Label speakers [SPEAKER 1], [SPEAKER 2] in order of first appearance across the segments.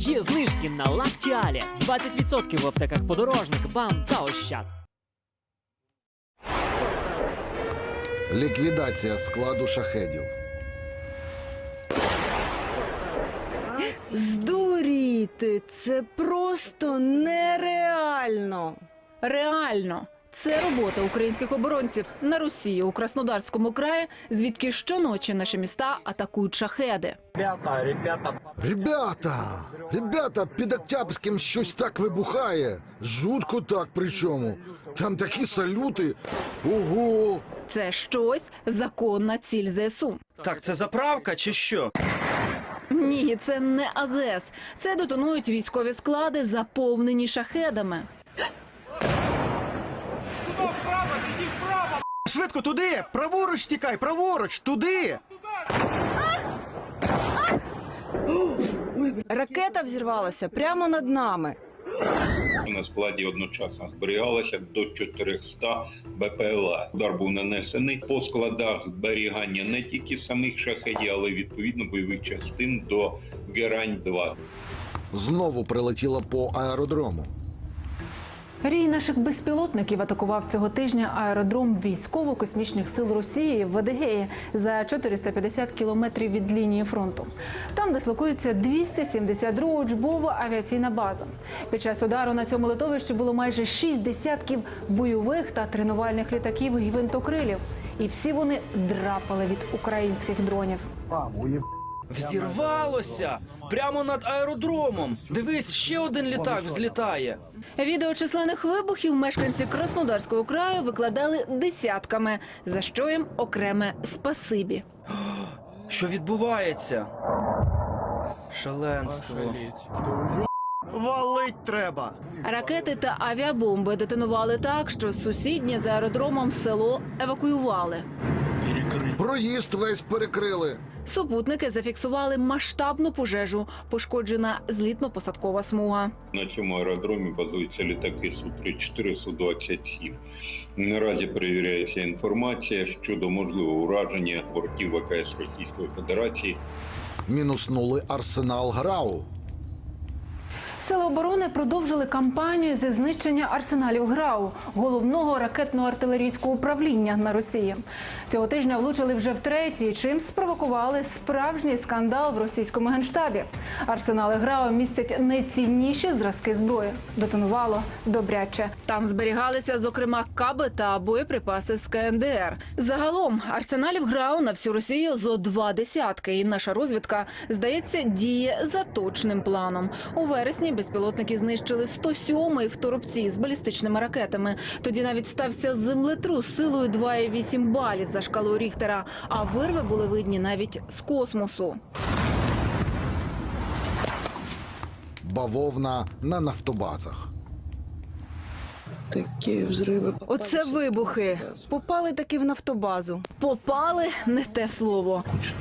[SPEAKER 1] Є знижки на Лактіалі. 20% в аптеках Подорожник, БАМ та Ощад.
[SPEAKER 2] Ліквідація складу шахедів.
[SPEAKER 3] Здуріти! Це просто нереально!
[SPEAKER 4] Реально. Це робота українських оборонців на Росії у Краснодарському краї, звідки щоночі наші міста атакують шахеди.
[SPEAKER 2] Ребята, під Октябрським щось так вибухає. Жутко так причому. Там такі салюти. Ого!
[SPEAKER 4] Це щось законна ціль ЗСУ.
[SPEAKER 5] Так, це заправка чи що?
[SPEAKER 4] Ні, це не АЗС. Це детонують військові склади, заповнені шахедами.
[SPEAKER 6] Швидко туди! Праворуч тікай, праворуч, туди!
[SPEAKER 3] Ракета взірвалася прямо над нами.
[SPEAKER 7] На складі одночасно зберігалося до 400 БПЛА. Удар був нанесений по складах зберігання не тільки самих шахедів, але й відповідно бойових частин до Герань-2.
[SPEAKER 2] Знову прилетіла по аеродрому.
[SPEAKER 4] Рій наших безпілотників атакував цього тижня аеродром військово-космічних сил Росії в Адигеї за 450 кілометрів від лінії фронту. Там дислокується 272 учбова авіаційна база. Під час удару на цьому литовищі було майже 6 десятків бойових та тренувальних літаків і гвинтокрилів. І всі вони драпали від українських дронів.
[SPEAKER 5] Взірвалося! Прямо над аеродромом! Дивись, ще один літак взлітає!
[SPEAKER 4] Відео численних вибухів мешканці Краснодарського краю викладали десятками, за що їм окреме спасибі.
[SPEAKER 5] Що відбувається? Шаленство.
[SPEAKER 6] Валить треба!
[SPEAKER 4] Ракети та авіабомби детонували так, що сусіднє за аеродромом село евакуювали.
[SPEAKER 2] Проїзд весь перекрили.
[SPEAKER 4] Супутники зафіксували масштабну пожежу, пошкоджена злітно-посадкова смуга.
[SPEAKER 7] На цьому аеродромі базуються літаки Су-34, Су-27. Наразі перевіряється інформація щодо можливого ураження бортів ВКС Російської Федерації.
[SPEAKER 2] Мінуснули арсенал ГРАУ.
[SPEAKER 4] Сили оборони продовжили кампанію зі знищення арсеналів ГРАУ, головного ракетно-артилерійського управління на Росії. Цього тижня влучили вже втретє, чим спровокували справжній скандал в російському генштабі. Арсенали ГРАУ містять найцінніші зразки зброї. Детонувало добряче. Там зберігалися, зокрема, каби та боєприпаси з КНДР. Загалом арсеналів ГРАУ на всю Росію зо 2 десятки. І наша розвідка, здається, діє за точним планом. У вересні безпілотники знищили 107-й в Торопці з балістичними ракетами. Тоді навіть стався землетрус силою 2,8 балів за шкалою Ріхтера, а вирви були видні навіть з космосу.
[SPEAKER 2] Бавовна на нафтобазах.
[SPEAKER 3] Такі взриви. Оце вибухи. Попали таки в нафтобазу.
[SPEAKER 4] Попали – не те слово.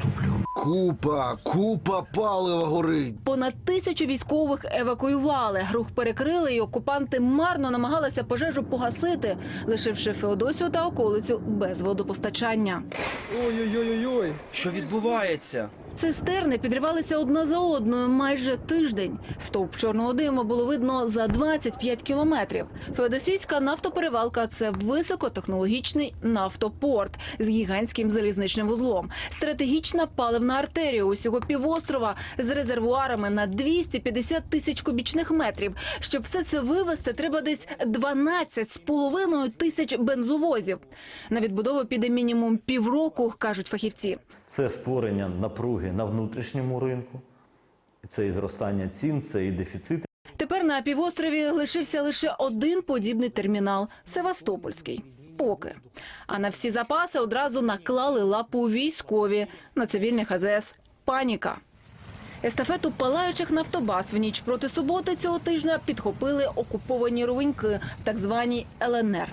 [SPEAKER 2] Купа палива горить.
[SPEAKER 4] Понад 1000 військових евакуювали. Рух перекрили, і окупанти марно намагалися пожежу погасити, лишивши Феодосію та околицю без водопостачання.
[SPEAKER 6] Ой-ой-ой-ой!
[SPEAKER 5] Що відбувається?
[SPEAKER 4] Цистерни підривалися одна за одною майже тиждень. Стовп чорного диму було видно за 25 кілометрів. Феодосійська нафтоперевалка – це високотехнологічний нафтопорт з гігантським залізничним вузлом. Стратегічна паливна артерія усього півострова з резервуарами на 250 тисяч кубічних метрів. Щоб все це вивезти, треба десь 12,5 тисяч бензовозів. На відбудову піде мінімум півроку, кажуть фахівці.
[SPEAKER 8] Це створення напруги на внутрішньому ринку, це і зростання цін, це і дефіцит.
[SPEAKER 4] Тепер на півострові лишився лише один подібний термінал – Севастопольський. Поки. А на всі запаси одразу наклали лапу військові. На цивільних АЗС – паніка. Естафету палаючих нафтобаз в ніч проти суботи цього тижня підхопили окуповані ровеньки в так званій ЛНР.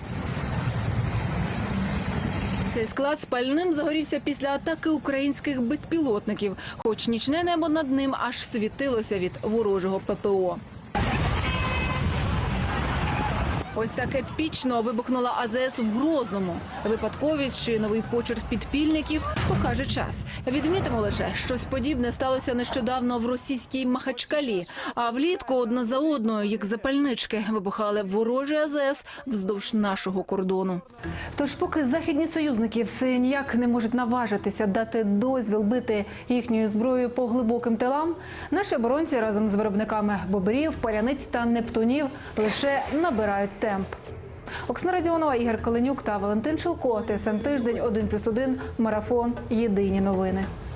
[SPEAKER 4] Цей склад спальним загорівся після атаки українських безпілотників, хоч нічне небо над ним аж світилося від ворожого ППО. Ось так епічно вибухнула АЗС в Грозному. Випадковість чи новий почерк підпільників покаже час. Відмітимо лише, щось подібне сталося нещодавно в російській Махачкалі. А влітку одна за одною, як запальнички, вибухали ворожі АЗС вздовж нашого кордону. Тож поки західні союзники все ніяк не можуть наважитися дати дозвіл бити їхньою зброєю по глибоким тилам, наші оборонці разом з виробниками бобрів, паляниць та нептунів лише набирають темп. Оксана Радіонова, Ігор Коленюк та Валентин Шилко. ТСН Тиждень, 1+1, Марафон. Єдині новини.